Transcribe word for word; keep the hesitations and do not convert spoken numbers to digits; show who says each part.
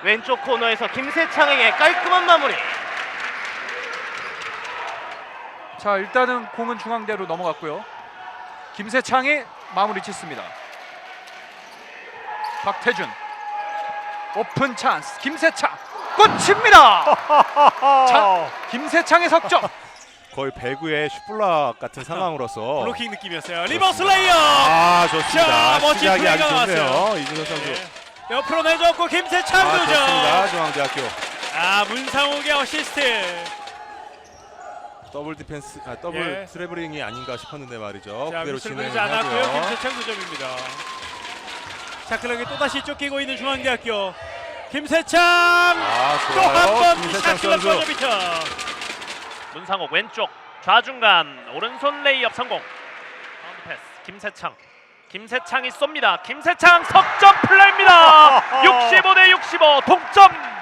Speaker 1: 왼쪽 코너에서 김세창에게 깔끔한 마무리.
Speaker 2: 자, 일단은 공은 중앙대로 넘어갔고요. 김세창이 마무리 짓습니다. 박태준 오픈 찬스. 김세창 꽂힙니다. 자, 김세창의 석점.
Speaker 3: 거의 배구의 슈플락 같은 상황으로서
Speaker 4: 블로킹 느낌이었어요. 리버스 레이어.
Speaker 3: 아 좋습니다.
Speaker 4: 자, 멋진
Speaker 3: 시작이 아주
Speaker 4: 플레이가
Speaker 3: 좋네요.
Speaker 4: 나왔어요.
Speaker 3: 이준호 선수.
Speaker 4: 네. 옆으로 내줬고 김세창
Speaker 3: 아
Speaker 4: 두
Speaker 3: 좋습니다.
Speaker 4: 점.
Speaker 3: 중앙대학교
Speaker 4: 아, 문상욱의 어시스트.
Speaker 3: 더블 디펜스, 아, 더블
Speaker 4: 예.
Speaker 3: 트래블링이 아닌가 싶었는데 말이죠.
Speaker 4: 자,
Speaker 3: 그대로
Speaker 4: 미스를 보이지
Speaker 3: 진행을
Speaker 4: 않았고요.
Speaker 3: 하고요.
Speaker 4: 김세창 두 점입니다. 자, 그러게 또다시 쫓기고 있는 중앙대학교 김세창.
Speaker 3: 아
Speaker 4: 또
Speaker 3: 좋아요.
Speaker 4: 한 번
Speaker 3: 김세창
Speaker 4: 샷클럽
Speaker 3: 선수.
Speaker 4: 버저비터.
Speaker 1: 문상욱 왼쪽 좌중간 오른손 레이업 성공. 바운드 패스 김세창. 김세창이 쏩니다. 김세창 석점 플레이입니다. 육십오 대 육십오 동점.